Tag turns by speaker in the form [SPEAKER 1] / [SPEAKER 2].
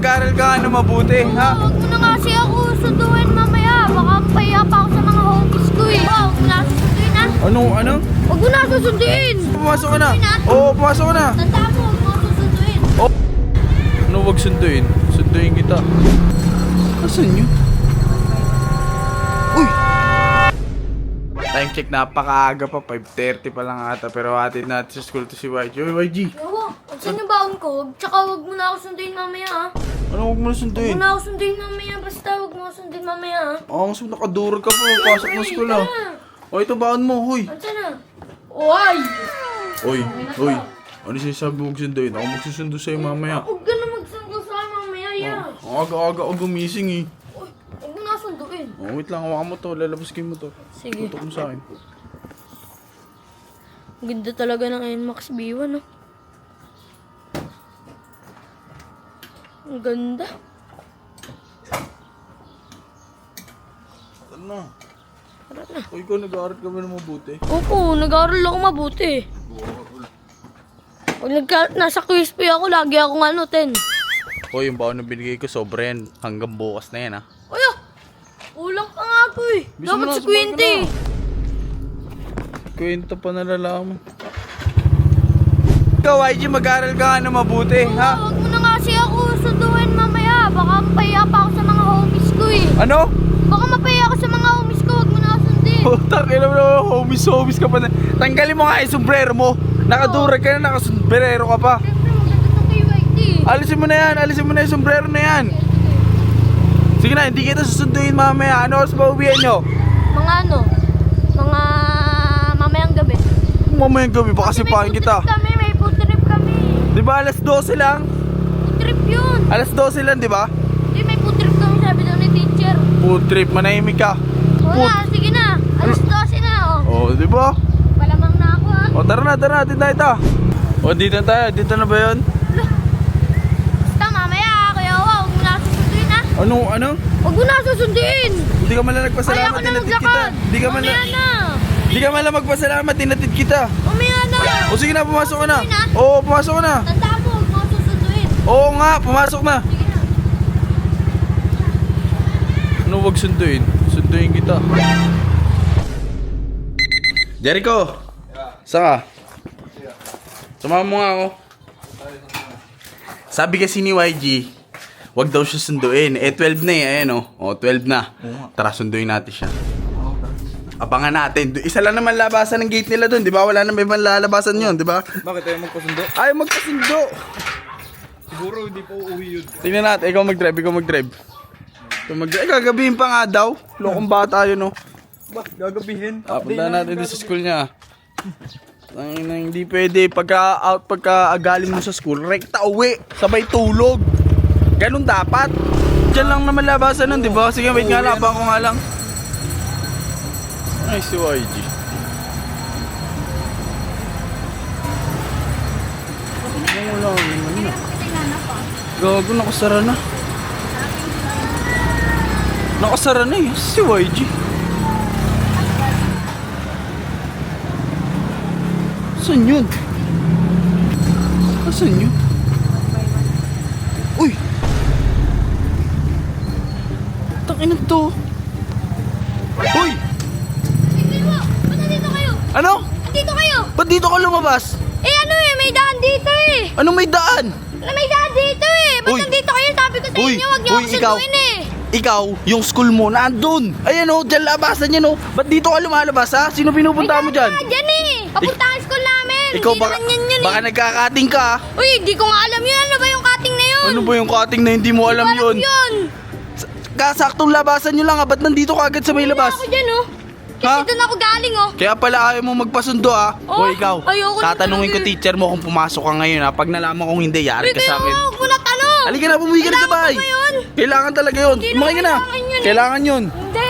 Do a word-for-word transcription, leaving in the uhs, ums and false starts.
[SPEAKER 1] mag-aaral ka nga na mabuti, ha?
[SPEAKER 2] Huwag mo na nga kasi ako sunduin mamaya. Baka pahiya pa ako sa mga homies ko eh. Huwag mo na ako susunduin ha.
[SPEAKER 1] Ano, ano?
[SPEAKER 2] Huwag mo na ako susunduin.
[SPEAKER 1] Pumasok ka na. Oo, pumasok ka na.
[SPEAKER 2] Tanda mo, huwag mo ako susunduin.
[SPEAKER 1] Oh. Ano wag sunduin? Sunduin kita. Asan yun? Uy! Time check, napakaaga pa. five thirty pa lang ata. Pero hatid natin sa school to si Y G. Uy, Y G!
[SPEAKER 2] Oo, saan yung baon ko? Tsaka huwag mo na ako sunduin mamaya ha.
[SPEAKER 1] Ano wag mo na
[SPEAKER 2] Huwag
[SPEAKER 1] sunduin?
[SPEAKER 2] mo na ako sunduin mamaya. Basta huwag mo ako sunduin mamaya ha.
[SPEAKER 1] Oo, mas nakadurog ka pa. Pasok mo school ah. O, ito baon mo, huy.
[SPEAKER 2] Saan na? Uy!
[SPEAKER 1] Uy, uy. Ano sinasabi mo sunduin? Ako magsusundo sa'yo mamaya.
[SPEAKER 2] Huwag ka na magsundo sa akin mamaya ya.
[SPEAKER 1] Ang aga-aga ako gumising eh.
[SPEAKER 2] Uy, huwag mo na ako sunduin.
[SPEAKER 1] Oh, wait lang, hawakan mo to. Lalabas kayo mo to.
[SPEAKER 2] Sige.
[SPEAKER 1] Tutok mo sa akin.
[SPEAKER 2] Ganda talaga ng N MAX B one no? Ang ganda.
[SPEAKER 1] Ano na?
[SPEAKER 2] Tara na.
[SPEAKER 1] O, ikaw nag-aaral ka ba na mabuti?
[SPEAKER 2] Opo, nag-aaral ako mabuti. Pag nagka, nasa quiz pa ako, lagi akong ano, ten.
[SPEAKER 1] O, yung baon na binigay ko, sobra yan. Hanggang bukas na yan, ha?
[SPEAKER 2] Uy, ah! Kulang pa nga ako eh.
[SPEAKER 1] Bisa mo
[SPEAKER 2] Dapat
[SPEAKER 1] na,
[SPEAKER 2] sa
[SPEAKER 1] sumagot
[SPEAKER 2] twenty.
[SPEAKER 1] ka Kwento pa nalalaman. Ikaw, Y G, mag-aaral ka nga na mabuti, ha?
[SPEAKER 2] Huwag mo na nga kasi ako sunduin mamaya. Baka mapahiya pa ako sa mga homies ko eh.
[SPEAKER 1] Ano?
[SPEAKER 2] Baka mapahiya ako sa mga homies ko, huwag mo na ako sundin.
[SPEAKER 1] Putak, ilan mo homies, homies ka pa na. Tanggalin mo nga yung sombrero mo. Nakadurag ka na, nakasombrero ka pa.
[SPEAKER 2] Siyempre, maganda to kay Y T.
[SPEAKER 1] Alisin mo na yan, alisin mo na yung sombrero na yan. Sige na, hindi kita susunduin mamaya. Ano oras ba uwihan nyo?
[SPEAKER 2] Mga ano? Mga mamayang gabi.
[SPEAKER 1] Mamayang gabi pa kasi
[SPEAKER 2] May
[SPEAKER 1] pahin
[SPEAKER 2] food
[SPEAKER 1] kita.
[SPEAKER 2] trip kami, may food trip kami.
[SPEAKER 1] Di ba alas twelve lang?
[SPEAKER 2] Food trip yun.
[SPEAKER 1] Alas twelve lang, di ba?
[SPEAKER 2] Hindi, may food trip kami, sabi daw ni teacher.
[SPEAKER 1] Food trip, manahimik ka.
[SPEAKER 2] Wala, sige na. Alas dose na, oh.
[SPEAKER 1] Oh, di ba?
[SPEAKER 2] Palamang na ako, ha.
[SPEAKER 1] O tara na, tara na, tinda ito. O dito na tayo, dito na ba yun?
[SPEAKER 2] Basta mamaya, kuya, huwag mo na susunduin, ha.
[SPEAKER 1] Ano, ano?
[SPEAKER 2] Huwag mo na susunduin.
[SPEAKER 1] Hindi ka man lang
[SPEAKER 2] Kaya
[SPEAKER 1] nagpasalamat,
[SPEAKER 2] ko na
[SPEAKER 1] tinatid kita.
[SPEAKER 2] maglakad.
[SPEAKER 1] Hindi ka man
[SPEAKER 2] Mamaya
[SPEAKER 1] lang,
[SPEAKER 2] na.
[SPEAKER 1] hindi ka man lang magpasalamat, tinatid kita.
[SPEAKER 2] Mamaya na.
[SPEAKER 1] O sige na, pumasok ka na.
[SPEAKER 2] Susunduin, ha?
[SPEAKER 1] Oo, pumasok ka na.
[SPEAKER 2] Tanda mo, huwag mo ako susunduin.
[SPEAKER 1] Oo nga, pumasok na.
[SPEAKER 2] Sige na.
[SPEAKER 1] Ano wag sunduin? Sunduin kita. Jericho! Saan ka? Sumama mo nga ako. Sabi kasi ni Y G, wag daw siya sunduin. Eh, twelve na eh. Ayan o. O, twelve na. Tara, sunduin natin siya. Abangan natin. Du- Isa lang naman labasan ng gate nila dun, di ba? Wala naman ibang lalabasan yun, di ba?
[SPEAKER 3] Bakit tayo magpasundo?
[SPEAKER 1] Ayaw magkasundo.
[SPEAKER 3] Siguro hindi pa uuwi yun.
[SPEAKER 1] Tingnan natin. Ikaw mag-drive, ikaw mag-drive. Ikaw mag-drive. Eh, gagabihin pa nga daw. Lokong bata yun, oh.
[SPEAKER 3] Ba, gagabihin.
[SPEAKER 1] Ah, punta natin din sa school niya. Ang ina, hindi pwede pagka out pagka agaling mo sa school, rekta uwi, sabay tulog. Ganun dapat. Diyan lang naman labasan nun, di ba? Sige, wait nga lang, abang ko nga lang. Ay, si Y G. Wala, wala na. Gago, nakasara na. Nakasara na eh, si Y G. Saan yun? Asan yun? Uy! Takin na to. Uy!
[SPEAKER 2] Tingnan mo, ba't nandito kayo?
[SPEAKER 1] Ano?
[SPEAKER 2] Nandito kayo?
[SPEAKER 1] Ba't dito ka lumabas?
[SPEAKER 2] Eh ano eh, may daan dito eh.
[SPEAKER 1] Anong may daan?
[SPEAKER 2] May daan dito eh. Ba't
[SPEAKER 1] Uy.
[SPEAKER 2] nandito kayo? Sabi ko sa
[SPEAKER 1] Uy,
[SPEAKER 2] inyo, huwag niyo
[SPEAKER 1] uy,
[SPEAKER 2] ako
[SPEAKER 1] ikaw.
[SPEAKER 2] sunduin eh.
[SPEAKER 1] Ikaw, yung school mo, nandun! Ayan o, dyan labasan yan o. Ba't dito ka lumalabas ha? Sino pinupunta mo dyan?
[SPEAKER 2] Ah, dyan eh. Papunta ang school namin.
[SPEAKER 1] Ikaw
[SPEAKER 2] Hindi
[SPEAKER 1] baka,
[SPEAKER 2] naman yan yun
[SPEAKER 1] baka
[SPEAKER 2] eh.
[SPEAKER 1] nagkakating ka ha?
[SPEAKER 2] Uy, hindi ko nga alam yun. Ano ba yung cutting na yun?
[SPEAKER 1] Ano ba yung cutting na hindi mo alam
[SPEAKER 2] Hindi ko
[SPEAKER 1] yun?
[SPEAKER 2] yun.
[SPEAKER 1] Kasaktong labasan nyo lang ha, ba't nandito ka agad sa may labas?
[SPEAKER 2] Ako dyan oh. Kasi
[SPEAKER 1] Ha?
[SPEAKER 2] doon ako galing oh.
[SPEAKER 1] Kaya pala ayaw mo magpasundo ha?
[SPEAKER 2] Oh,
[SPEAKER 1] O ikaw,
[SPEAKER 2] ayoko na
[SPEAKER 1] tatanungin ko
[SPEAKER 2] talaga eh.
[SPEAKER 1] teacher mo kung pumasok ka ngayon ha. Pag nalaman kong hindi, yari
[SPEAKER 2] Uy,
[SPEAKER 1] ka
[SPEAKER 2] kaya
[SPEAKER 1] sa akin.
[SPEAKER 2] huwag mo na tanong.
[SPEAKER 1] Halika na, bumuwi ka na sa
[SPEAKER 2] Kailangan
[SPEAKER 1] bahay.
[SPEAKER 2] ko ba yun?
[SPEAKER 1] Kailangan talaga yun.
[SPEAKER 2] Hindi
[SPEAKER 1] Umakay ka
[SPEAKER 2] naman
[SPEAKER 1] na.
[SPEAKER 2] kailangan yun eh.
[SPEAKER 1] Kailangan yun.
[SPEAKER 2] Hindi.